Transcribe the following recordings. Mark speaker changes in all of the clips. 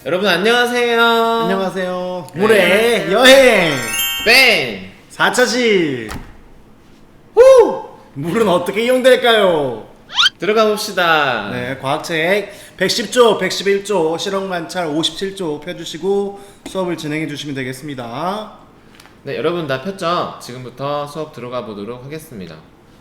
Speaker 1: 여러분 안녕하세요.
Speaker 2: 안녕하세요.
Speaker 1: 네.
Speaker 2: 물의 여행
Speaker 1: 뺑!
Speaker 2: 4차시. 후! 물은 어떻게 이용될까요?
Speaker 1: 들어가 봅시다.
Speaker 2: 네, 과학책 110조, 111조, 실험관찰 57조 펴주시고 수업을 진행해 주시면 되겠습니다.
Speaker 1: 네, 여러분 다 폈죠? 지금부터 수업 들어가 보도록 하겠습니다.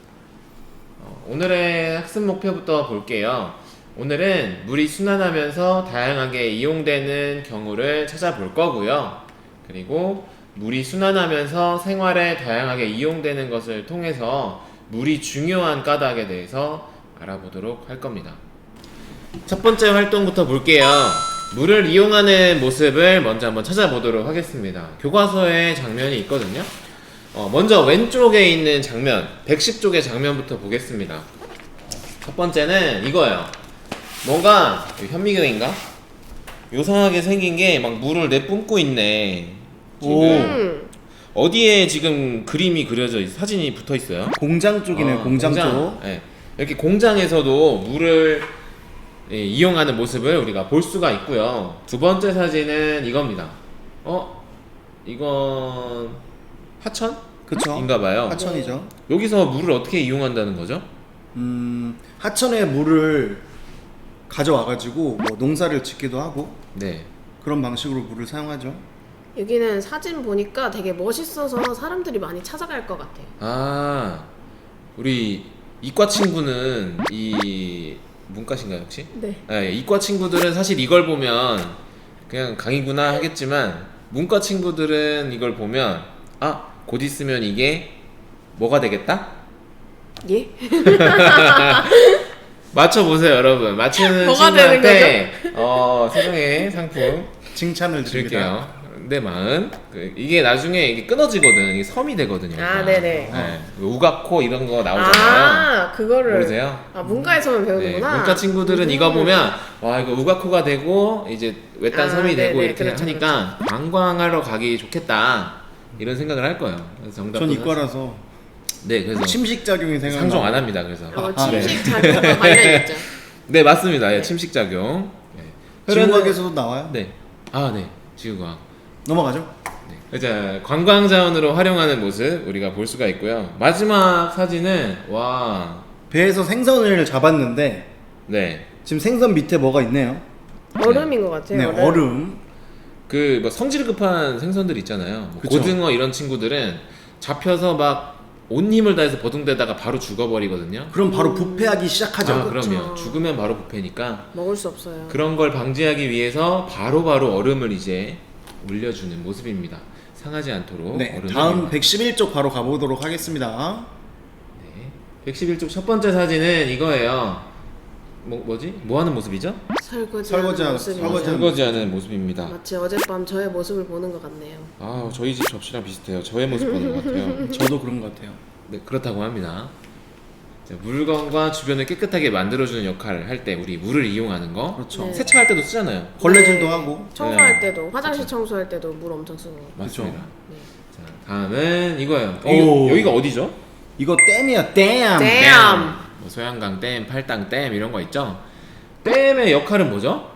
Speaker 1: 오늘의 학습 목표부터 볼게요. 오늘은 물이 순환하면서 다양하게 이용되는 경우를 찾아볼 거고요. 그리고 물이 순환하면서 생활에 다양하게 이용되는 것을 통해서 물이 중요한 까닭에 대해서 알아보도록 할 겁니다. 첫 번째 활동부터 볼게요. 물을 이용하는 모습을 먼저 한번 찾아보도록 하겠습니다. 교과서에 장면이 있거든요. 먼저 왼쪽에 있는 장면, 110쪽의 장면부터 보겠습니다. 첫 번째는 이거예요. 뭔가 현미경인가? 요상하게 생긴 게 막 물을 내뿜고 있네. 지금 어디에 지금 그림이 그려져 사진이 붙어 있어요?
Speaker 2: 공장 쪽이네요. 공장 쪽.
Speaker 1: 네. 이렇게 공장에서도 물을 이용하는 모습을 우리가 볼 수가 있고요. 두 번째 사진은 이겁니다. 이건 하천?
Speaker 2: 그쵸.
Speaker 1: 인가봐요.
Speaker 2: 하천이죠.
Speaker 1: 여기서 물을 어떻게 이용한다는 거죠?
Speaker 2: 하천에 물을 가져와가지고 뭐 농사를 짓기도 하고
Speaker 1: 네.
Speaker 2: 그런 방식으로 물을 사용하죠.
Speaker 3: 여기는 사진 보니까 되게 멋있어서 사람들이 많이 찾아갈 것 같아요.
Speaker 1: 아, 우리 이과 친구는 이 문과신가요 혹시?
Speaker 3: 네.
Speaker 1: 네, 이과 친구들은 사실 이걸 보면 그냥 강의구나 하겠지만 문과 친구들은 이걸 보면 곧 있으면 이게 뭐가 되겠다?
Speaker 3: 예?
Speaker 1: 맞춰보세요 여러분. 맞추는
Speaker 3: 뭐가 되는
Speaker 1: 친구한테 세상의 상품
Speaker 2: 칭찬을 드립니다.
Speaker 1: 드릴게요. 내 마음. 이게 나중에 이게 끊어지거든. 이게 섬이 되거든요.
Speaker 3: 네네.
Speaker 1: 네. 우가코 이런 거 나오잖아요.
Speaker 3: 그거를.
Speaker 1: 모르세요?
Speaker 3: 문과에서만
Speaker 1: 네,
Speaker 3: 배우는구나.
Speaker 1: 문과 친구들은 이거 보면 와 이거 우가코가 되고 이제 외딴 섬이 되고
Speaker 3: 네네,
Speaker 1: 이렇게
Speaker 3: 그렇죠,
Speaker 1: 하니까 관광하러 가기 좋겠다 이런 생각을 할 거예요. 그래서 정답.
Speaker 2: 전 이과라서
Speaker 1: 네, 그래서
Speaker 2: 침식 작용이 생각나.
Speaker 1: 상종 안 합니다. 그래서.
Speaker 3: 침식 작용과 관련 있죠.
Speaker 1: 네, 맞습니다. 예, 침식 작용. 네.
Speaker 2: 지구과학에서도 나와요.
Speaker 1: 네. 네. 지구과학.
Speaker 2: 넘어가죠.
Speaker 1: 네. 자, 관광 자원으로 활용하는 모습 우리가 볼 수가 있고요. 마지막 사진은
Speaker 2: 배에서 생선을 잡았는데
Speaker 1: 네.
Speaker 2: 지금 생선 밑에 뭐가 있네요.
Speaker 3: 얼음인 것 같아요.
Speaker 2: 네, 얼음.
Speaker 1: 그 뭐 성질 급한 생선들 있잖아요. 뭐
Speaker 2: 그쵸.
Speaker 1: 고등어 이런 친구들은 잡혀서 막 온 힘을 다해서 버둥대다가 바로 죽어버리거든요.
Speaker 2: 그럼 바로 부패하기 시작하죠.
Speaker 1: 그럼요.
Speaker 3: 그쵸.
Speaker 1: 죽으면 바로 부패니까
Speaker 3: 먹을 수 없어요.
Speaker 1: 그런 걸 방지하기 위해서 바로바로 얼음을 이제 올려주는 모습입니다. 상하지 않도록.
Speaker 2: 네,
Speaker 1: 얼음을
Speaker 2: 다음
Speaker 1: 이용하고.
Speaker 2: 111쪽 바로 가보도록 하겠습니다.
Speaker 1: 네. 111쪽 첫 번째 사진은 이거예요. 뭐지? 뭐 하는 모습이죠?
Speaker 3: 설거지하는 모습입니다.
Speaker 1: 설거지하는 모습입니다.
Speaker 3: 마치 어젯밤 저의 모습을 보는 것 같네요.
Speaker 1: 저희 집 접시랑 비슷해요. 저의 모습 보는 것 같아요.
Speaker 2: 저도 그런 것 같아요.
Speaker 1: 네, 그렇다고 합니다. 자, 물건과 주변을 깨끗하게 만들어주는 역할을 할 때 우리 물을 이용하는 거.
Speaker 2: 그렇죠.
Speaker 3: 네.
Speaker 1: 세차할 때도 쓰잖아요.
Speaker 2: 걸레질도
Speaker 3: 네.
Speaker 2: 하고.
Speaker 3: 청소할 때도, 화장실 청소할 때도 물 엄청 쓰고.
Speaker 1: 맞습니다.
Speaker 3: 네.
Speaker 1: 자, 다음은 이거예요.
Speaker 2: 오.
Speaker 1: 여기가 어디죠?
Speaker 2: 이거 댐이야, 댐.
Speaker 3: 댐.
Speaker 1: 뭐 소양강 댐, 팔당 댐 이런 거 있죠? 댐의 역할은 뭐죠?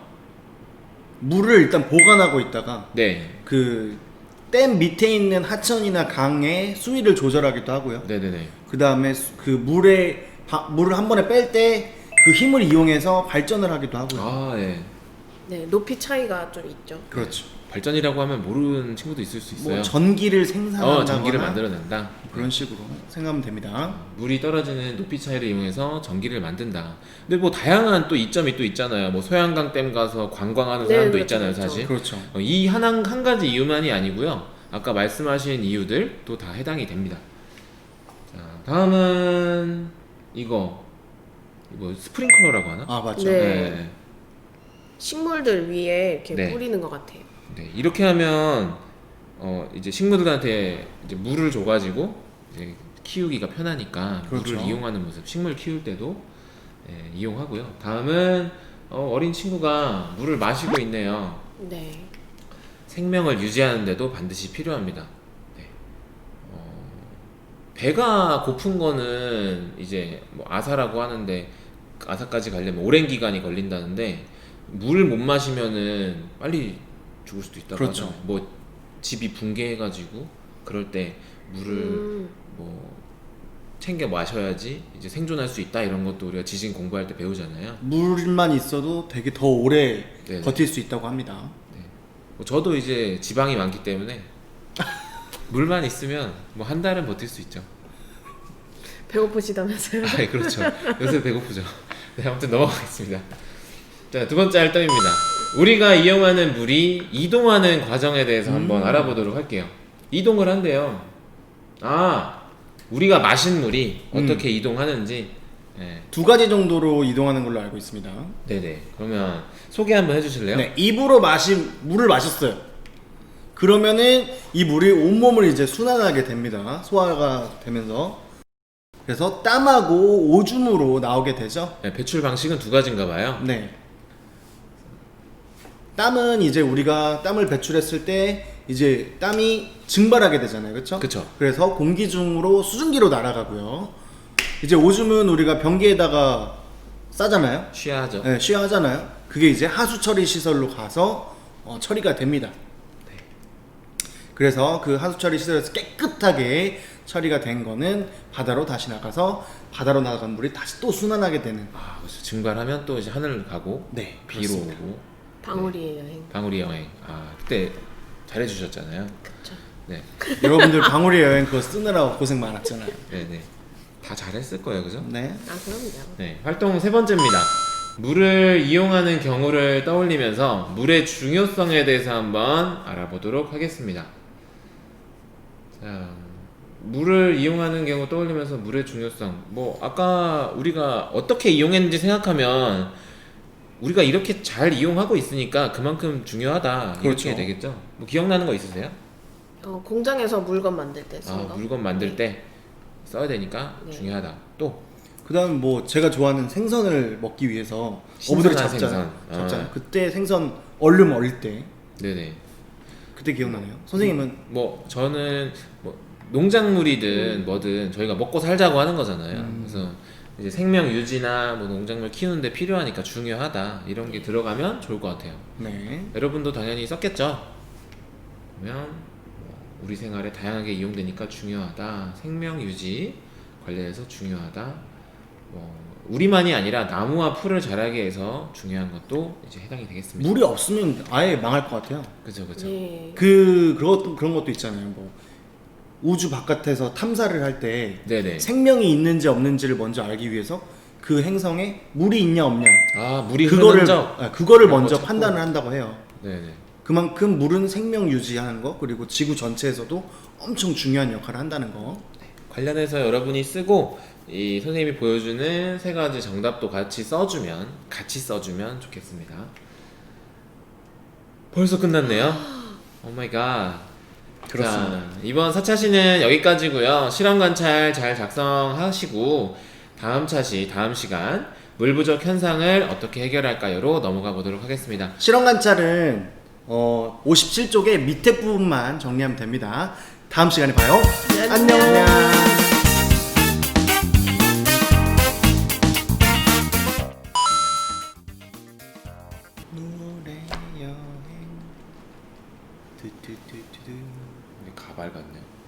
Speaker 2: 물을 일단 보관하고 있다가
Speaker 1: 네.
Speaker 2: 그 댐 밑에 있는 하천이나 강의 수위를 조절하기도 하고요.
Speaker 1: 네네네.
Speaker 2: 그 다음에 그 물을 한 번에 뺄 때 그 힘을 이용해서 발전을 하기도 하고요.
Speaker 1: 네.
Speaker 3: 네, 높이 차이가 좀 있죠.
Speaker 2: 그렇죠.
Speaker 1: 발전이라고 하면 모르는 친구도 있을 수 있어요.
Speaker 2: 뭐 전기를 생산한다거나
Speaker 1: 전기를 만들어낸다.
Speaker 2: 그런 식으로 생각하면 됩니다.
Speaker 1: 물이 떨어지는 높이 차이를 이용해서 전기를 만든다. 근데 뭐 다양한 또 이점이 또 있잖아요. 뭐 소양강 댐 가서 관광하는
Speaker 3: 네,
Speaker 1: 사람도
Speaker 3: 그렇죠,
Speaker 1: 있잖아요,
Speaker 3: 그렇죠.
Speaker 1: 사실.
Speaker 2: 그렇죠.
Speaker 1: 이 한 가지 이유만이 아니고요. 아까 말씀하신 이유들도 다 해당이 됩니다. 자, 다음은 이거 스프링클러라고 하나?
Speaker 2: 맞죠.
Speaker 3: 네. 식물들 위에 이렇게
Speaker 1: 네.
Speaker 3: 뿌리는 것 같아요.
Speaker 1: 네, 이렇게 하면 이제 식물들한테 이제 물을 줘가지고 이제 키우기가 편하니까
Speaker 2: 그렇죠.
Speaker 1: 물을 이용하는 모습, 식물 키울 때도 이용하고요. 다음은 어린 친구가 물을 마시고 있네요.
Speaker 3: 네.
Speaker 1: 생명을 유지하는데도 반드시 필요합니다. 네. 배가 고픈 거는 이제 뭐 아사라고 하는데 아사까지 가려면 오랜 기간이 걸린다는데 물을 못 마시면은 빨리 죽을 수도 있다고
Speaker 2: 그렇죠.
Speaker 1: 하잖아요. 뭐 집이 붕괴해가지고 그럴 때 물을 뭐 챙겨 마셔야지 이제 생존할 수 있다 이런 것도 우리가 지진 공부할 때 배우잖아요.
Speaker 2: 물만 있어도 되게 더 오래
Speaker 1: 네네.
Speaker 2: 버틸 수 있다고 합니다.
Speaker 1: 뭐 저도 이제 지방이 많기 때문에 물만 있으면 뭐 한 달은 버틸 수 있죠.
Speaker 3: 배고프시다면서요?
Speaker 1: 아, 그렇죠. 요새 배고프죠. 네, 아무튼 넘어가겠습니다. 자, 두 번째 활동입니다. 우리가 이용하는 물이 이동하는 과정에 대해서 한번 알아보도록 할게요. 이동을 한대요. 아, 우리가 마신 물이 어떻게 이동하는지. 네.
Speaker 2: 2가지 정도로 이동하는 걸로 알고 있습니다.
Speaker 1: 네네. 그러면 소개 한번 해주실래요?
Speaker 2: 네, 입으로 물을 마셨어요. 그러면은 이 물이 온몸을 이제 순환하게 됩니다. 소화가 되면서. 그래서 땀하고 오줌으로 나오게 되죠.
Speaker 1: 네, 배출 방식은 2가지인가 봐요.
Speaker 2: 네. 땀은 이제 우리가 땀을 배출했을 때 이제 땀이 증발하게 되잖아요. 그렇죠?
Speaker 1: 그쵸.
Speaker 2: 그래서 공기 중으로 수증기로 날아가고요. 이제 오줌은 우리가 변기에다가 싸잖아요.
Speaker 1: 쉬야하죠.
Speaker 2: 네, 쉬하잖아요. 그게 이제 하수 처리 시설로 가서 처리가 됩니다. 그래서 그 하수 처리 시설에서 깨끗하게 처리가 된 거는 바다로 다시 나가서 바다로 나간 물이 다시 또 순환하게 되는.
Speaker 1: 아, 그렇죠. 증발하면 또 이제 하늘을 가고
Speaker 2: 네,
Speaker 1: 비로
Speaker 2: 그렇습니다.
Speaker 1: 오고
Speaker 3: 방울이의 여행.
Speaker 1: 방울이 여행. 아, 그때 잘해주셨잖아요.
Speaker 3: 그쵸.
Speaker 1: 네,
Speaker 2: 여러분들 방울이 여행 그거 쓰느라고 고생 많았잖아요.
Speaker 1: 네네. 다 잘했을 거예요, 그죠?
Speaker 2: 네.
Speaker 3: 아 그럼요.
Speaker 1: 네, 활동 3번째입니다. 물을 이용하는 경우를 떠올리면서 물의 중요성에 대해서 한번 알아보도록 하겠습니다. 자, 물을 이용하는 경우 떠올리면서 물의 중요성. 뭐 아까 우리가 어떻게 이용했는지 생각하면 우리가 이렇게 잘 이용하고 있으니까 그만큼 중요하다
Speaker 2: 그렇죠.
Speaker 1: 이렇게 되겠죠. 뭐 기억나는 거 있으세요?
Speaker 3: 공장에서 물건 만들 때 쓴
Speaker 1: 아,
Speaker 3: 거.
Speaker 1: 물건 만들 때 써야 되니까
Speaker 3: 네.
Speaker 1: 중요하다. 또
Speaker 2: 그다음 뭐 제가 좋아하는 생선을 먹기 위해서
Speaker 1: 신선한
Speaker 2: 어부들이 잡잖아요.
Speaker 1: 생선.
Speaker 2: 잡잖아요.
Speaker 1: 아.
Speaker 2: 그때 생선 얼른 얼릴 때
Speaker 1: 네네.
Speaker 2: 그때 기억나네요. 선생님은
Speaker 1: 뭐 저는 뭐 농작물이든 뭐든 저희가 먹고 살자고 하는 거잖아요. 그래서 이제 생명 유지나 뭐 농작물 키우는데 필요하니까 중요하다 이런 게 들어가면 좋을 것 같아요.
Speaker 2: 네.
Speaker 1: 여러분도 당연히 썼겠죠. 그러면 뭐 우리 생활에 다양하게 이용되니까 중요하다. 생명 유지 관련해서 중요하다. 뭐 우리만이 아니라 나무와 풀을 자라게 해서 중요한 것도 이제 해당이 되겠습니다.
Speaker 2: 물이 없으면 아예 망할 것 같아요.
Speaker 1: 그죠 그죠.
Speaker 3: 네.
Speaker 2: 그런 것도 있잖아요. 뭐 우주 바깥에서 탐사를 할 때
Speaker 1: 네네.
Speaker 2: 생명이 있는지 없는지를 먼저 알기 위해서 그 행성에 물이 있냐 없냐
Speaker 1: 아 물이
Speaker 2: 그거를
Speaker 1: 흐르는 적.
Speaker 2: 그거를
Speaker 1: 그런
Speaker 2: 먼저
Speaker 1: 거 찾고.
Speaker 2: 판단을 한다고 해요.
Speaker 1: 네네.
Speaker 2: 그만큼 물은 생명 유지하는 거 그리고 지구 전체에서도 엄청 중요한 역할을 한다는 거.
Speaker 1: 관련해서 여러분이 쓰고 이 선생님이 보여주는 3가지 정답도 같이 써주면 좋겠습니다. 벌써 끝났네요. 오 마이 갓.
Speaker 2: 그렇습니다.
Speaker 1: 자, 이번 4차시는 여기까지고요. 실험 관찰 잘 작성하시고 다음 시간 물 부족 현상을 어떻게 해결할까요로 넘어가 보도록 하겠습니다.
Speaker 2: 실험 관찰은 57쪽의 밑에 부분만 정리하면 됩니다. 다음 시간에 봐요.
Speaker 3: 안녕.
Speaker 2: 안녕. 노래 여행.
Speaker 1: 우리 가발 같네요.